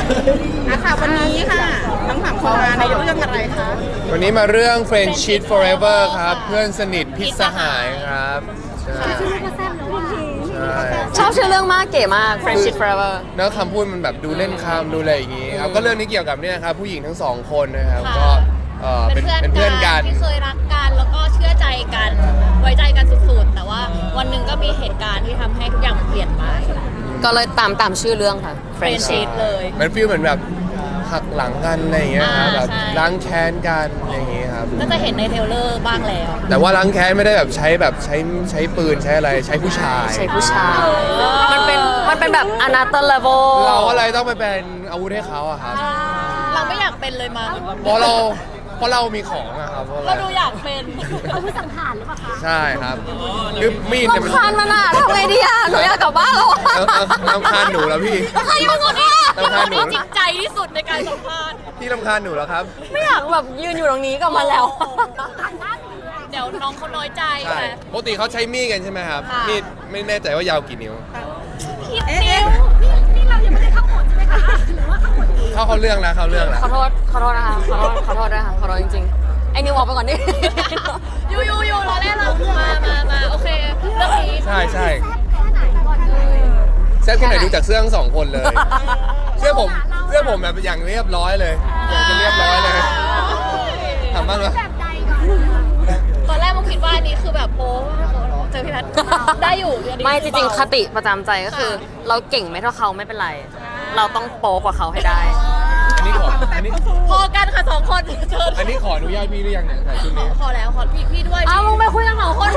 ค่ะวันนี้ค่ะทั้งสามคนมาในเรื่องอะไรคะวันนี้มาเรื่อง Friendship Forever ครับเพื่อนสนิทพิษสหายครับใช่ชอบชื่อเรื่องมากเก๋มาก Friendship Forever เนื้อคำพูดมันแบบดูเล่นคำดูอะไรอย่างงี้ครับก็เรื่องนี้เกี่ยวกับเนี่ยครับผู้หญิงทั้งสองคนนะครับก็เป็นเพื่อนกันที่เคยรักกันแล้วก็เชื่อใจกันไว้ใจกันสุดๆแต่ว่าวันหนึ่งก็มีเหตุการณ์ที่ทำให้ทุกอย่างมันเปลี่ยนไปก็เลยตามชื่อเรื่องค่ะ Friendship เลยมันฟีลเหมือนแบบหักหลังกันอะไรอย่างเงี้ยครับแบบล้างแค้นกันอย่างงี้ครับก็จะเห็นในเทรลเลอร์บ้างแล้วแต่ว่าล้างแค้นไม่ได้แบบใช้ปืนใช้อะไรใช้ผู้ชายมันเป็นแบบ another level เราอะไรต้องไปเป็นอาวุธให้เขาอะครับเราไม่อยากเป็นเลยมั้งเพราะเรามีของอะครับเราดูอยากเป็นอาวุธสังหารหรือเปล่าคะใช่ครับคือมีดเนี่ยมันรำคาญมันอะทำไงดีอะหนูอยากกลับบ้านแล้วรำคาญหนูแล้วพี่ใครเป็นคนที่จริงใจที่สุดในการสัมภาษณ์พี่รำคาญหนูแล้วครับไม่อยากแบบยืนอยู่ตรงนี้กับมันแล้วเดี๋ยวน้องเขาน้อยใจปกติเขาใช้มีดกันใช่ไหมครับมีดไม่แน่ใจว่ายาวกี่นิ้วนิ้วนี่เรายังไม่ได้เข้าหมดใช่ไหมคะหรือว่าเข้าหมดเข้าเรื่องแล้วขอโทษนะคะขอโทษจริงๆไอ้นิวออกไปก่อนดิอยู่รอแรกเรามาโอเคเรื่องนี้ใช่แซ่บแค่ไหนดูจากเสื้อทั้งสองคนเลยเสื้อผมแบบอย่างเรียบร้อยเลยอย่างจะเรียบร้อยเลยทำบ้างเหรอตอนแรกมุกคิดว่าอันนี้คือแบบโป๊เจอพี่แพทได้อยู่ไม่จริงๆคติประจำใจก็คือเราเก่งไม่เท่าเขาไม่เป็นไรเราต้องโป๊กว่าเขาให้ได้อันนี้พอกันค่ะสองคนอันนี้ขออนุญาตพี่หรือยังเนี่ยใส่ชุดนี้ขอแล้วขอพี่ด้วยมึงไปคุยกันสองคน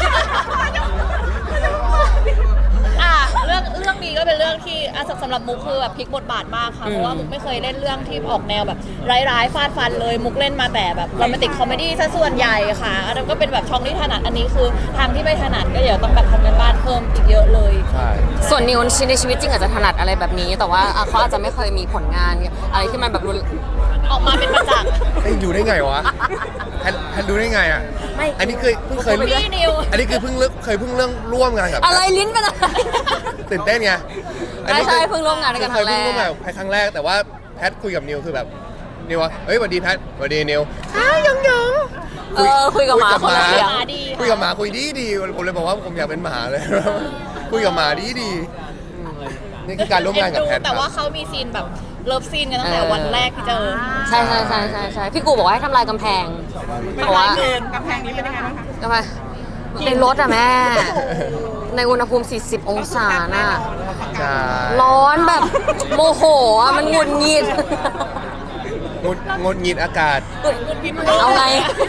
เรื่องนี้ก็เป็นเรื่องที่สำหรับมุกคือแบบพลิกบทบาทมากค่ะเพราะว่ามุกไม่เคยเล่นเรื่องที่ออกแนวแบบร้ายๆฟาดฟันเลยมุกเล่นมาแต่แบบโรแมนติกคอมเมดี้ซะส่วนใหญ่ค่ะอันนั้นก็เป็นแบบช่องที่ถนัดอันนี้คือทางที่ไม่ถนัดก็เดี๋ยวต้องแบบทำกันบ้านเพิ่มอีกเยอะเลยใช่ส่วนนิวในชีวิตจริงอาจจะถนัดอะไรแบบนี้แต่ว่าเขาอาจจะไม่เคยมีผลงานอะไรที่มันแบบออกมาเป็นประจักษ์ดูได้ไงวะแพนดูได้ไงอ่ะอันนี้เพิ่งเคยอันนี้คือเพิ่งเรื่องร่วมงานกับอะไรลิ้นเป็นอะไรตื่นเต้นไงใช่เพิ่งร่วมงานกันครั้งแรกครั้งแรกแต่ว่าแพทคุยกับนิวคือแบบนิวว่าเฮ้ยสวัสดีแพทสวัสดีนิวยังคุยกับหมาคุยกับหมาคุยดีผมเลยบอกว่าผมอยากเป็นหมาเลยคุยกับหมาดีนี่คือการร่วมงานกับแพทแต่ว่าเขามีซีนแบบเลิฟซีนกันตั้งแต่วันแรกที่เจอใช่พี่กูบอกว่าให้ทำลายกำแพงเพราะว่ากำแพงนี้เป็นยังไงบ้างคะกำแพงในรถอะแม่ในอุณหภูมิ40องศาน่ะร้อนแบบโมโหอะมันหงุดหงิดงดหงิดอากาศเอาไง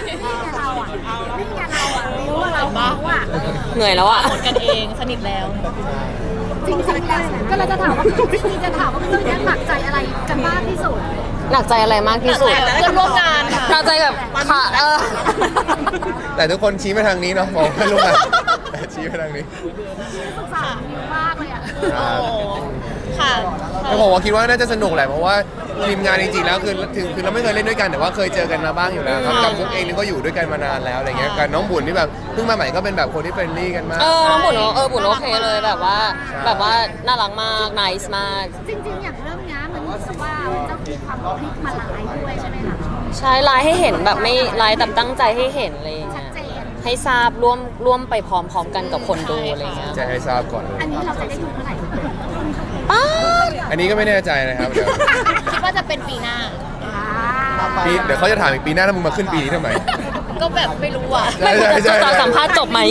เหนื่อยแล้วอะหมดกันเองสนิทแล้วจริงแล้วก็เราจะถามว่าเรื่องนี้หนักใจอะไรกันมากที่สุดหนักใจอะไรมากที่สุดเพื่อนร่วมงานค่ะหนักใจแบบค่ะแต่ทุกคนชี้มาทางนี้เนาะบอกเพื่อนร่วมงานชี้มาทางนี้สงสารมากเลยอ่ะค่ะแต่ผมว่าคิดว่าน่าจะสนุกแหละเพราะว่าทีมงานจริงๆแล้วคือเราไม่เคยเล่นด้วยกันแต่ว่าเคยเจอกันมาบ้างอยู่แล้วครับกับมุกเองนี่ก็อยู่ด้วยกันมานานแล้วอะไรเงี้ยกับน้องบุญที่แบบเพิ่งมาใหม่ก็เป็นแบบคนที่เฟรนลี่กันมากน้องบุญบุญโอเคเลยแบบว่าน่ารักมากไนส์มากจริงๆอย่างเรื่องนี้มันรู้สึกว่าเจ้ามีความพลิกมาหลายด้วยใช่ไหมคะใช่ไลน์ให้เห็นแบบไม่ไลน์แต่ตั้งใจให้เห็นอะไรอย่างเงี้ยให้ทราบร่วมไปพร้อมๆกันกับคนดูอะไรเงี้ยจะให้ทราบก่อนอันนี้เราจะได้ดูเมื่อไหร่อันนี้ก็ไม่แน่ใจนะครับเดี๋ยวคิดว่าจะเป็นปีหน้าเดี๋ยวเขาจะถามอีกปีหน้าถ้ามึงมาขึ้นปีนี้ทำไมก็แบบไม่รู้อ่ะจะสัมภาษณ์จบไหม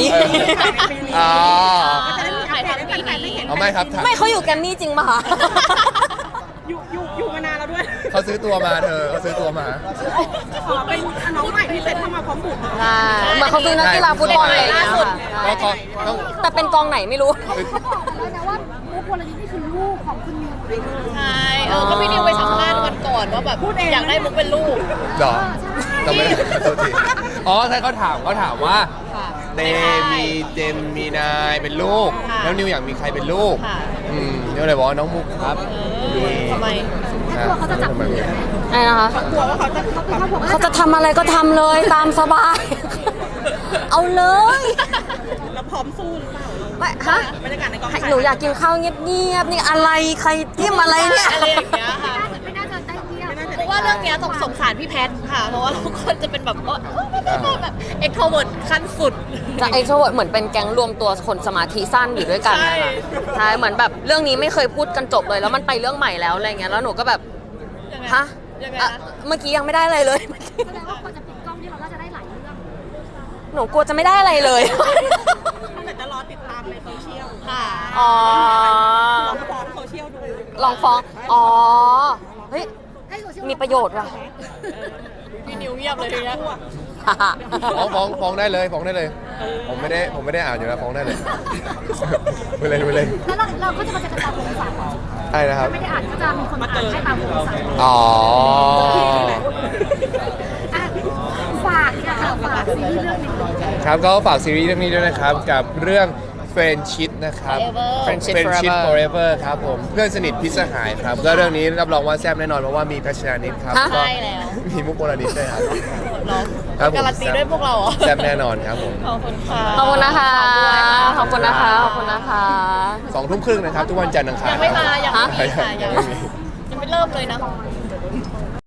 ถ่ายทำปีนี้ไม่ครับไม่เขาอยู่แกมมี่จริงป่ะคะอยู่มานานแล้วด้วยเขาซื้อตัวมาเขาซื้อตัวมาเป็นน้องใหม่ที่เสร็จเข้ามาพร้อมบุญมาเขาซื้อนักกีฬาฟุตบอลอะไรอย่างเงี้ยค่ะแต่เป็นกองไหนไม่รู้เขาบอกเลยนะว่ามุกวลนิธินี่คือลูกของคุณนิวใช่ก็พี่นิวไปสัมภาษณ์วันก่อนว่าแบบอยากได้มุกเป็นลูกหรอจำไม่ได้ตัวทีใช่เขาถามว่าเจมมีนายเป็นลูกแล้วนิวอยากมีใครเป็นลูกนิวเลยบอกน้องมุกครับทำไมเขาจะจับมืออะไรนะคะเขาจะทำอะไรก็ทำเลยตามสบายเอาเลยแล้วพพร้อมสู้หรือเปล่าไม่ฮะบรรยากาศในกองถ่ายหนูอยากกินข้าวเงียบๆนี่อะไรใครจิ้มอะไรเนี่ยอะไรอย่างเงี้ยค่ะไม่น่าจะได้เที่ยวเพราะว่าเรื่องเนี้ยต้องสงสารพี่แพทค่ะ เพราะว่าทุกคนจะเป็นแบบแบบเอ็กโทรเวิร์ดขั้นสุดจะไอโทรเวิร์ดเหมือนเป็นแก๊งรวมตัวคนสมาธิสั้นอยู่ด้วยกันนะคะใช่ใช่เหมือนแบบเรื่องนี้ไม่เคยพูดกันจบเลยแล้วมันไปเรื่องใหม่แล้วอะไรเงี้ยแล้วหนูก็แบบยังไงฮะยังไงอ่ะนะเมื่อกี้ยังไม่ได้อะไรเลยแสดงว่าคนจะปิดกล้องที่เราก็จะได้หลายเรื่องหนูกลัวจะไม่ได้อะไรเลยแต่จะรอติดตามในโซเชียลค่ะอ๋อลองฟ้องโซเชียลดูลองฟ้องอ๋อเฮ้ยให้โซเชียลมีประโยชน์ว่ะพี่นิวเงียบเลยทีเนี้ยฟ้องได้เลยฟ้องได้เลย ผมไม่ได้อ่านอยู่แล้วฟ้องได้เลย ไปเลยแล้วเราก็จะมาเจอกันตามวงสายใช่นะครับไม่ได้อ่านก็จะมีคนมาอ่านให้ตามวงสายอ๋ออ่ะฝากเนี่ยค่ะฝากซีรีส์เรื่องนี้ครับก็ฝากซีรีส์เรื่องนี้ด้วยนะครับ กับเรื่อง Friendship นะครับ Friendship Friendship Forever Forever ครับผมเพื่อนสนิทพิษสหายครับ ก็เรื่องนี้รับรองว่าแซ่บแน่นอนเพราะว่ามีแพชนานิดครับฮะก็ใช่แล้วมีมุกโบราณิตด้วยครับเนาะครับผมการันตีด้วยพวกเราเหรอแซ่บแน่นอนครับผมขอบคุณค่ะขอบคุณนะคะ ขอบคุณนะคะ ขอบคุณนะคะ 2 ทุ่มครึ่งนะครับ ทุกวันจันทร์อังคารยังไม่มายังไม่มีค่ะยังไม่มียังไม่เริ่มเลยนะ